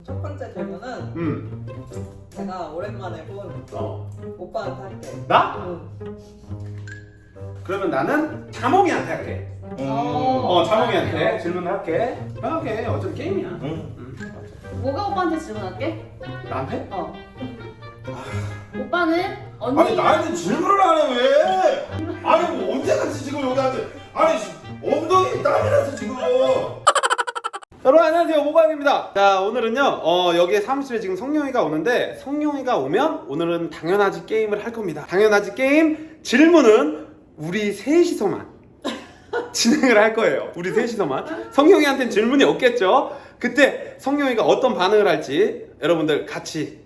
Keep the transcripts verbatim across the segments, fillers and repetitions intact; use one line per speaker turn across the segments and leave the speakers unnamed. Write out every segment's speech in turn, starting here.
첫 번째 질문은
음.
제가 오랜만에 본
어.
오빠한테 할게.
나?
응.
그러면 나는 자몽이한테 할게.
음.
어, 자몽이한테 질문을 할게. 편하게. 어차피 게임이야.
음.
음.
뭐가 오빠한테 질문할게?
나한테?
어. 오빠는 언니.
아니 나한테 질문을 안 해 왜? 아니 뭐 언제까지 지금 여기 앉아? 아니 엉덩이 땀이 나서 지금.
여러분 안녕하세요, 모광입니다. 자, 오늘은요 어, 여기에 사무실에 지금 성룡이가 오는데, 성룡이가 오면 오늘은 당연하지 게임을 할 겁니다. 당연하지 게임 질문은 우리 셋이서만 진행을 할 거예요. 우리 셋이서만. 성룡이한테는 질문이 없겠죠. 그때 성룡이가 어떤 반응을 할지 여러분들 같이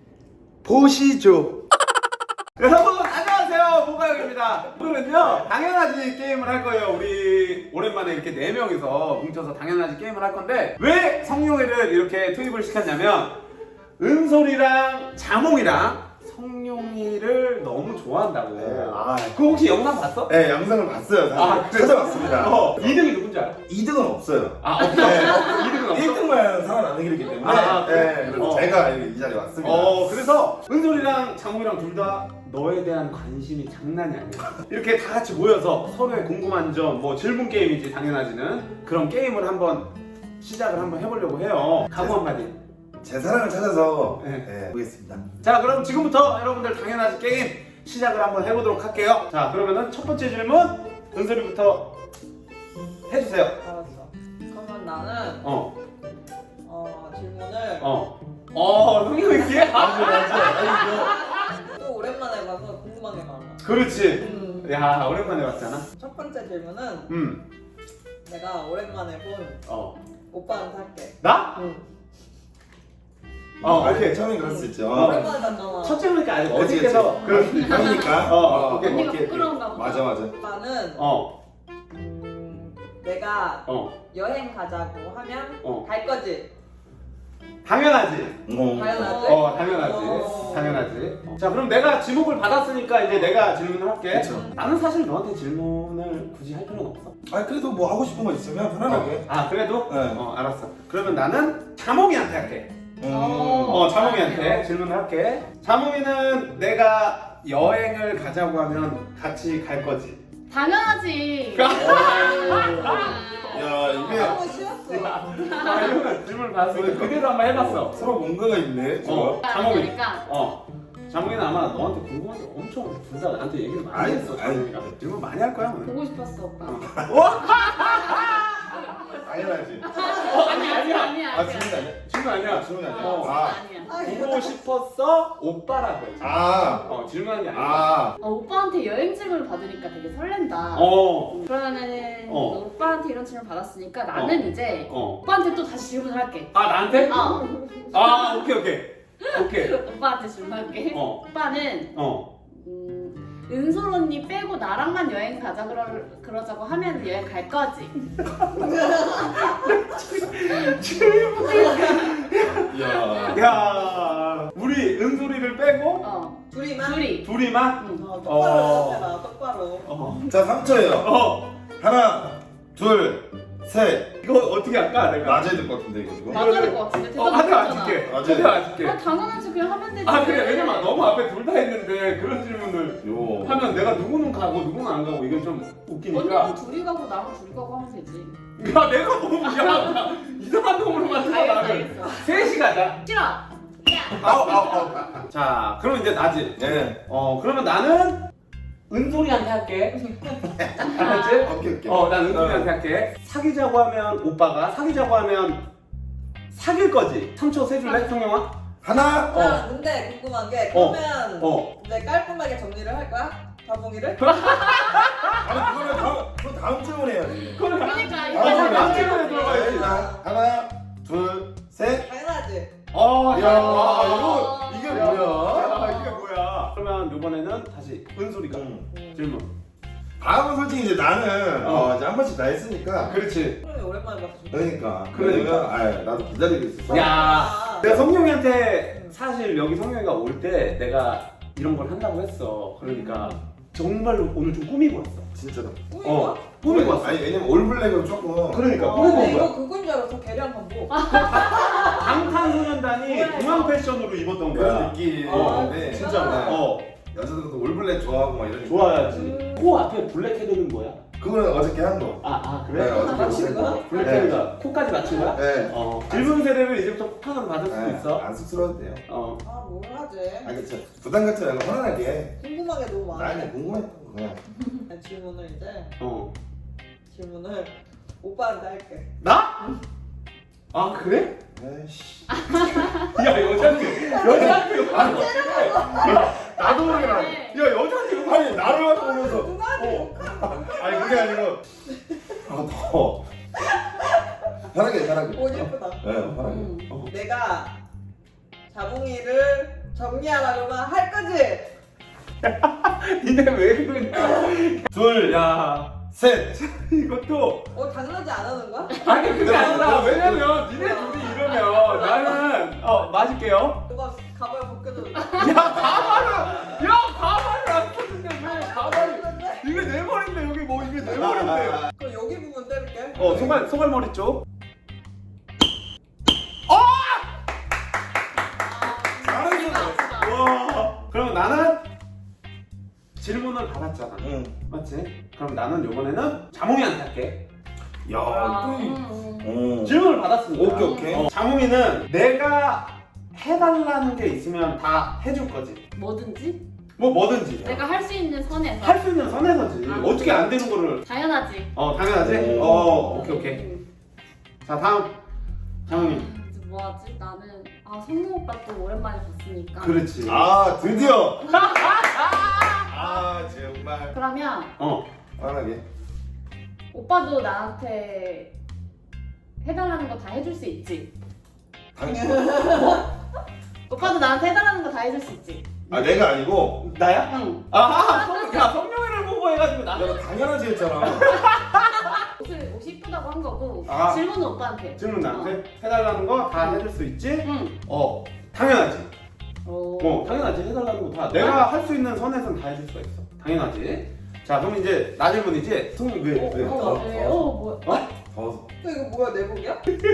보시죠. 여러분 안녕하세요, 모광입니다. 오늘은요 당연하지 게임을 할 거예요. 우리 오랜만에 이렇게 네 명이서 뭉쳐서 당연하지 게임을 할 건데, 왜 성룡이를 이렇게 투입을 시켰냐면 은솔이랑 자몽이랑 성룡이를 너무 좋아한다고.
네, 아.
그거 혹시 영상 봤어?
네 영상을 봤어요. 사실.
아, 그래?
찾아봤습니다.
어, 이 등이 누군지 알아?
이 등은 없어요.
아, 없어?
네.
이 등은 없어?
일 등만 살아남는 길이기 때문에.
아, 아, 그래?
네, 그래서
어.
제가 이 자리에 왔습니다.
어, 그래서 은솔이랑 장모이랑 둘 다 너에 대한 관심이 장난이 아니야. 이렇게 다 같이 모여서 서로의 궁금한 점, 뭐 질문 게임이지 당연하지는, 그런 게임을 한번 시작을 한번 해보려고 해요. 각오 한마디.
제 사랑을 찾아서
네.
네, 보겠습니다.
자, 그럼 지금부터 여러분들 당연하지 게임 시작을 한번 해보도록 할게요. 자, 그러면은 첫 번째 질문 은솔이부터 해주세요.
알았어. 그러면 나는
어,
어, 질문을
어, 어, 성룡이 이렇게?
맞아 맞아.
또 오랜만에 봐서 궁금한 게 많아.
그렇지.
음.
야, 오랜만에 봤잖아.
첫 번째 질문은
음,
내가 오랜만에 본
어,
오빠한테 할게.
나?
응.
어,
아니,
오케이.
처음에 그럴 수 있죠.
어.
오랜만에 봤잖아.
첫 질문이니까 아직
그치,
어색해서
그치.
그럴 수도 있어.
형이니까.
어, 오케이,
언니가
오케이, 오케이.
부끄러운가 보다.
맞아 맞아.
오빠는
어,
음, 내가
어,
여행 가자고 하면
어.
갈 거지.
당연하지.
어.
당연하지.
어, 당연하지.
어.
당연하지. 어. 자, 그럼 내가 지목을 받았으니까 이제 내가 질문을 할게.
그쵸.
나는 사실 너한테 질문을 굳이 할 필요는 없어.
아니 그래도 뭐 하고 싶은 거 있으면 편안하게.
아, 그래도?
네.
어, 알았어. 그러면 나는 자몽이한테 할게.
음.
어, 자몽이한테 질문을 할게. 자몽이는 내가 여행을 가자고 하면 같이 갈 거지.
당연하지.
야 이게
너무 쉬웠어.
아, 이거는 질문을 받았으니까 그대로 한번 해봤어.
서로 뭔가가 있네.
어,
어.
자몽이.
그러니까
어. 자몽이는 아마 너한테 궁금한 게 엄청 둘 다 나한테 얘기를 많이
아니,
했어.
아니.
자몽이가 질문 많이 할 거야 오늘.
보고 싶었어 오빠.
당연하지.
아니 아니야 아니야.
아 질문 아니야?
질문 아니야.
질문 아니야?
어.
아.
아니야.
보고 싶었어 오빠라고 했지.
아.
어, 질문한 게 아니야.
아.
어, 오빠한테 여행 질문을 받으니까 되게 설렌다.
어.
그러면은
어.
오빠한테 이런 질문 받았으니까 나는 이제
어.
오빠한테 또 다시 질문을 할게.
아, 나한테?
어.
아, 오케이 오케이. 오케이.
오빠한테 질문할게.
어.
오빠는
어.
음, 은솔 언니 빼고 나랑만 여행 가자 그러, 그러자고 하면 여행 갈 거지?
야.
야, 우리 은솔이를 빼고
어.
둘이만?
둘이.
둘이만?
응.
어, 똑바로
어.
해라, 똑바로.
어.
자 삼 초예요.
어.
하나, 둘, 셋.
이거 어떻게 할까 내가?
맞아야 될 것 같은데 이거 지금.
맞아야 될 것 같은데
어,
대답
하나
못했잖아.
맞출게.
맞아요.
하나 맞출게.
아 당연하지 그냥 하면 되지.
아, 그래. 왜냐면 너무 앞에 둘 다 했는데 그런 질문을
요.
하면 내가 누구는 가고 누구는 안 가고 이게 좀 웃기니까.
언니는 둘이 가고 나랑 둘이 가고 하면 되지.
야, 내가 너무 이상하다. 이상한 놈으로 만들어
알겠어
나를.
알겠어.
셋이 가자.
싫어.
아우 아우 아우.
자, 그럼 이제 나지.
네.
어, 그러면 나는 은솔이한테 할게. 알았지?
오케이 오케이.
어, 난 은솔이한테 할게. 사귀자고 하면 오빠가, 사귀자고 하면 사귈 거지. 삼 초 세줄래, 성영아?
하나.
어.
아, 근데 궁금한 게
어.
그러면
어.
이제 깔끔하게 정리를 할 거야? 자몽이를?
아니 그거는 다음 그건 다음 질문 해야지.
그러니까
아,
이거
그럼
다음 질문에 들어가야지.
자, 하나, 둘, 셋.
당연하지.
어, 야,
야,
이거
이게
야,
뭐야?
야, 이게 뭐야? 그러면 이번에는 다시 은솔이가
음.
음.
질문.
다음은 솔직히 이제 나는
어.
어, 이제 한 번씩 다 했으니까.
그렇지.
그러면 오랜만에 봤어.
그러니까.
그러니까.
그러니까. 아, 나도 기다리고 있었어.
야,
아,
내가 성룡이한테 사실 여기 성룡이가 올 때 내가 이런 걸 한다고 했어. 그러니까 정말로 오늘 좀 꾸미고 왔어.
진짜다.
어, 꾸미고 왔어.
아니 왜냐면 올블랙으로 조금.
그러니까
어,
꾸미고 온
이거
거야.
그건 줄 알았어. 계량 반복.
방탄소년단이 공항 패션으로 입었던
그런
거야.
느낌인데
진짜로. 어,
여자들도 올블랙 좋아하고 막 이러니까.
좋아야지.
음.
코 앞에 블랙 헤드는 뭐야?
그거는 어저께 한 거.
아, 아 그래?
네, 어저께
맞춘 거야?
블랙
네.
헤드가 코까지 맞춘 거야?
네.
어. 질문 세례를 이제부터 폭탄은 받을 수
네,
있어.
안 쑥스러워도 돼요.
어.
아, 뭘 하지?
아 그쵸. 부담 갖지 말고 편안하게.
궁금한 게 너무
나
많아.
그냥 궁금했던 거 그냥.
질문을 이제
어.
질문을 오빠한테 할게.
나? 아 그래?
에이씨.
야 여자한테 여자한테 아, 나도 모르게 나. 야 여자한테
아니 나를 갖고 오면서.
누나한테
아니 그게 아니고. 아 더. 편하게 편하게.
옷 예쁘다.
네 편하게.
음.
어.
내가 자몽이를 정리하라고만 할 거지?
니네 왜 그러냐?
둘,
야
셋.
이것도
어, 당연하지 안 하는 거야?
아니 그게 아니라 왜냐면 니네 둘이 이러면 나는 어 맞을게요.
누가 가발 벗겨도
야 가발을 야 가발을 안 썼는데 왜 가발이 이게 내 머리인데 여기 뭐 이게 내 머리인데.
그럼 여기 부분 때릴게.
어 소갈 소갈머리 쪽.
잘했어.
와. 그럼 나는 질문을 받았잖아.
응.
맞지? 그럼 나는 이번에는 자몽이한테 할게.
야,
아,
또 이-
음, 음.
어.
질문을 받았으니까.
오케이, 오케이.
어, 자몽이는 내가 해달라는 게 있으면 다 해줄 거지.
뭐든지
뭐 뭐든지.
내가 할 수 있는 선에서
할 수 있는 선에서지.
아.
어떻게 안 되는 거를.
당연하지.
어 당연하지.
오.
어 오케이 오케이.
음.
자 다음 자몽이.
이제 뭐하지? 나는 아 성룡 오빠 또 오랜만에 봤으니까.
그렇지.
아, 드디어. 아, 정말.
그러면
어.
편하게.
오빠도 나한테 해달라는 거 다 해줄 수 있지.
당신.
오빠도 나한테 해달라는 거 다 해줄 수 있지.
아, 내가 아니고.
나야?
응.
아 성, 야 성룡이를 보고 해가지고 나.
내가 당연하지 했잖아.
옷을 옷이 이쁘다고 한 거고
아.
질문은 오빠한테.
질문 나한테 해달라는 거 다 해줄 수 있지?
응.
어 당연하지.
오.
어 당연하지. 해달라는 거 다 내가 할 수 있는 선에선 다 해줄 수가 있어. 당연하지. 자 그럼 이제 나 질문이지. 성룡 왜 왜?
어,
어, 네. 어, 뭐.
더워서.
또 이거 뭐야, 내복이야?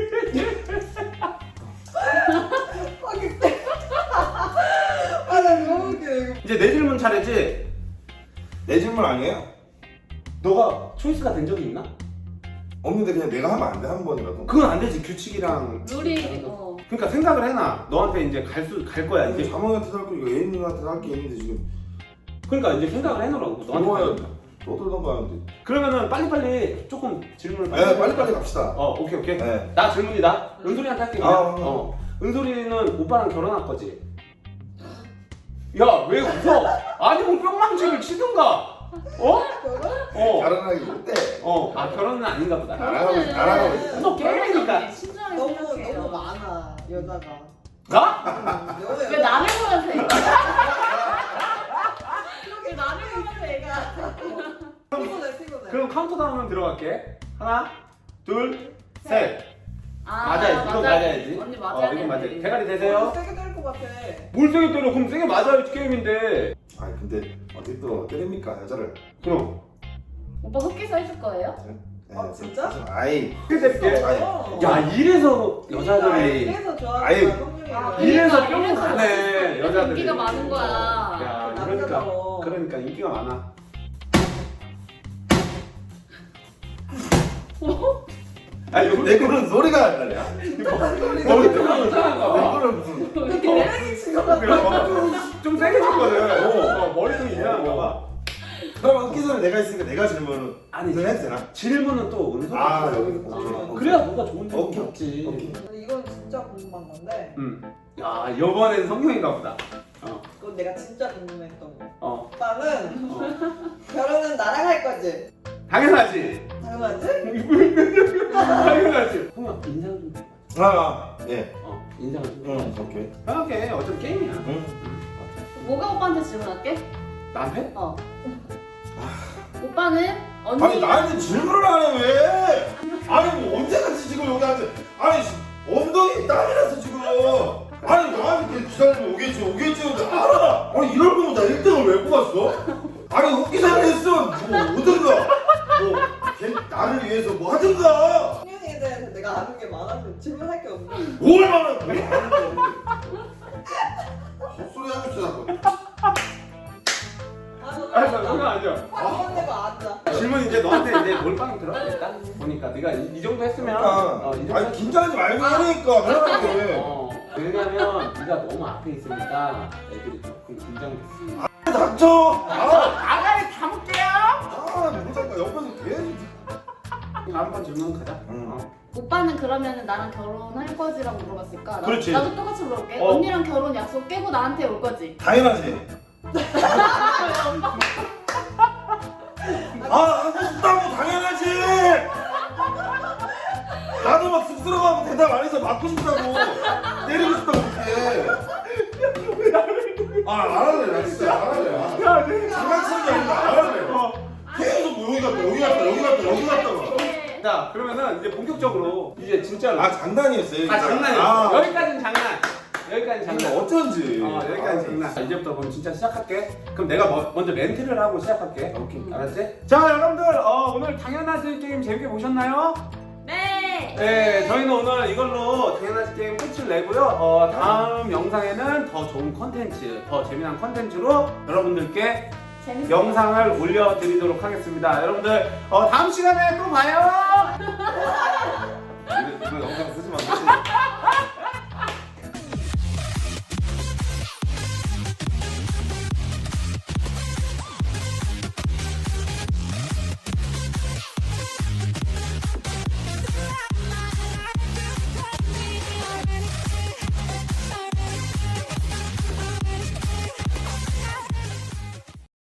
아, 나 너무 웃겨, 이거.
이제 내 질문 차례지.
내 질문 아니에요?
너가 초이스가 된 적이 있나?
없는데 그냥 내가 하면 안 돼, 한 번이라도.
그건 안 되지. 규칙이랑.
룰이 어.
그러니까 생각을 해놔. 너한테 이제 갈 수 갈 거야 이제.
자몽이한테도 할 거, 이거 애인님한테도 할 게 있는데 지금.
그러니까 이제 생각을 해놓으라고. 너한테.
뭐야,
갈 거야.
떠들던가 하는데.
그러니까 그러면은 빨리빨리 조금 질문을.
네, 빨리빨리 갑시다.
어 오케이 오케이.
네.
나 질문이다. 은솔이한테 할게.
아,
그냥.
아, 아.
어. 은솔이는 오빠랑 결혼할 거지? 야 왜 웃어? 아니 뭐 뿅망치를 치든가. 어?
결혼?
어.
결혼하기 못해.
어. 아 결혼은 아닌가 보다.
나라고 있어, 나라고 있어.
너 게임이니까.
신중하게
너무,
생각해요.
너무 많아, 여자가.
나?
음, 여자,
왜 나를 보면서 얘기해? 왜 나를 보면서 얘기해?
피곤해, 피곤해.
그럼 카운트다운은 들어갈게. 하나, 둘, 셋.
아,
맞아야지. 이건 맞아야지.
언니 맞아야
어, 이건 맞아야 돼.
되는데.
대가리
너무
되세요.
세게 때릴 것 같아.
뭘 세게 때려? 그럼 세게 맞아야지 게임인데.
아 근데 어떻게 또 때립니까 여자를?
그럼.
오빠 흑기사 해줄 거예요?
네,
아, 진짜?
무슨- 아이
세게 때릴게.
어.
야 이래서
아,
여자들이.
이래서 좋아하는
아예-
거야, 성룡이를.
아,
이래서
그러니까,
뿅
이래서
가네
이래서
여자들이.
인기가 많은 거야.
야 그러니까
남자다워.
그러니까 인기가 많아. 아니 이거
내 거는 소리가 안 나냐?
머리 뜨거운 이상한가
내
봐.
거는 무슨?
노래기 친것 같아.
좀 세게 쳤거든. 어, 머리 좀 이상한가 봐.
그럼 웃기 전에 내가 있으니까 내가 질문을
아니
이거 해도 되나?
질문은 또 은솔이.
아,
아,
여기.
오케이.
그래야 뭐가 좋은 질문
오케이.
없지.
오케이.
근데 이건 진짜 궁금한 건데,
음. 야 이번엔 성룡인가 보다. 어.
그건 내가 진짜 궁금했던 거.
어.
오빠는
어.
결혼은 나랑 할 거지?
당연하지.
당연하지?
당연하지. 성룡 인상 좀. 해.
아, 예.
어 인상을 좀.
응, 오케이.
편하게 어차피 게임이야.
응.
뭐가 오빠한테 질문할게?
나한테?
어. 오빠는 언니.
아니 나한테 질문을 안 해 왜? 아니 뭐 언제까지 지금 여기 앉아? 아니 엉덩이 땀이 나서 지금. 아니 나한테 기다리면 오겠지 오겠지 근데 알아. 아니 이럴 거면 나 일 등을 왜 뽑았어? 아니
너한테 이제 몰빵이 들어가겠다. 보니까 네가 이, 이 정도 했으면
그러니까.
어, 이 정도
아니
했-
긴장하지 말고 하니까 편하게.
어, 왜냐면 네가 너무 앞에 있으니까 애들이 조금 긴장됐어.
닥쳐. 아,
아가리 담을게요.
아, 모르니까 옆에서 계속.
다음번 질문 가자.
응.
어.
오빠는 그러면은 나랑 결혼할 거지라고 물어봤을까? 나,
그렇지.
나도 똑같이 물어볼게.
어.
언니랑 결혼 약속 깨고 나한테 올 거지?
당연하지. 아, 하고 싶다고 당연하지. 나도 막 쑥스러워하고 대답 안 해서 맞고 싶다고 때리고 싶다고 그렇게. 아, 안 할래. 나 진짜 안 할래. 장난치는 게 아니라 안 할래. 계속 뭐 여기 갔다 여기 갔다 여기 갔다 여기 갔다가.
자 그러면은 이제 본격적으로 이제 진짜로.
아, 장난이었어요.
아 장난이야.
아,
여기까지는 장난. 여기까지
장난
장난.
어쩐지.
어 여기까지 장난. 자, 이제부터 그럼 진짜 시작할게. 그럼 내가 뭐, 먼저 멘트를 하고 시작할게. 오케이. 알았지? 자 여러분들 어, 오늘 당연하지 게임 재밌게 보셨나요?
네!
네, 저희는 오늘 이걸로 당연하지 게임 끝을 내고요. 어, 다음 영상에는 더 좋은 컨텐츠, 더 재미난 컨텐츠로 여러분들께
재밌어요.
영상을 올려드리도록 하겠습니다. 여러분들 어, 다음 시간에 또 봐요.
이거, 이거 영상 쓰지 마.